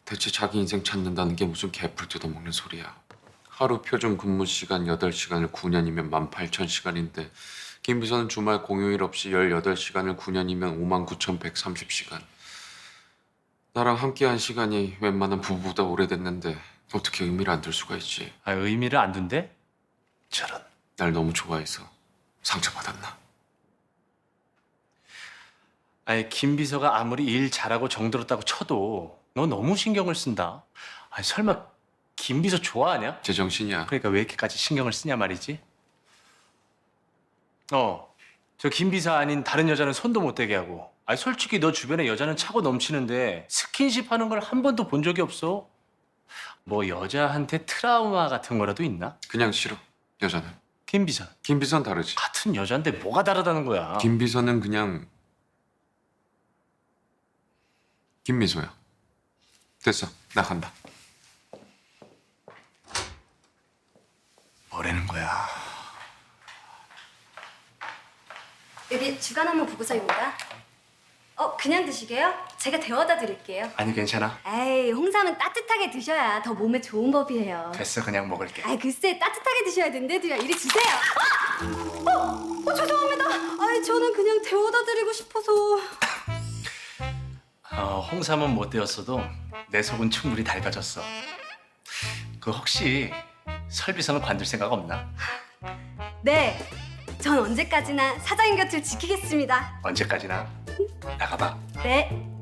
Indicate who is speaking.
Speaker 1: 대체 자기 인생 찾는다는 게 무슨 개풀 뜯어먹는 소리야. 하루 표준 근무 시간 8시간을 9년이면 18,000시간인데 김 비서는 주말 공휴일 없이 18시간을 9년이면 59,130시간. 나랑 함께한 시간이 웬만한 부부보다 오래됐는데 어떻게 의미를 안 둘 수가 있지?
Speaker 2: 아, 의미를 안 둔대? 저런.
Speaker 1: 날 너무 좋아해서 상처받았나?
Speaker 2: 아니, 김 비서가 아무리 일 잘하고 정들었다고 쳐도 너 너무 신경을 쓴다. 아니, 설마 김 비서 좋아하냐?
Speaker 1: 제정신이야.
Speaker 2: 그러니까 왜 이렇게까지 신경을 쓰냐 말이지? 저 김 비서 아닌 다른 여자는 손도 못 대게 하고. 아니, 솔직히 너 주변에 여자는 차고 넘치는데 스킨십 하는 걸 한 번도 본 적이 없어. 뭐 여자한테 트라우마 같은 거라도 있나?
Speaker 1: 그냥 싫어. 여자는.
Speaker 2: 김 비서는
Speaker 1: 김 비서는 다르지.
Speaker 2: 같은 여잔데 뭐가 다르다는 거야?
Speaker 1: 김 비서는 그냥 김미소야. 됐어. 나 간다.
Speaker 2: 뭐라는 거야?
Speaker 3: 여기 주간 업무 보고서입니다. 그냥 드시게요? 제가 데워다 드릴게요.
Speaker 2: 아니, 괜찮아.
Speaker 3: 에이, 홍삼은 따뜻하게 드셔야 더 몸에 좋은 법이에요.
Speaker 2: 됐어, 그냥 먹을게.
Speaker 3: 아이, 글쎄, 따뜻하게 드셔야 된대도요. 이리 주세요. 죄송합니다. 아이, 저는 그냥 데워다 드리고 싶어서.
Speaker 2: 홍삼은 못 되었어도 내 속은 충분히 달가졌어. 그 혹시 설비서는 관둘 생각 없나?
Speaker 3: 네, 전 언제까지나 사장님 곁을 지키겠습니다.
Speaker 2: 언제까지나 나가봐.
Speaker 3: 네.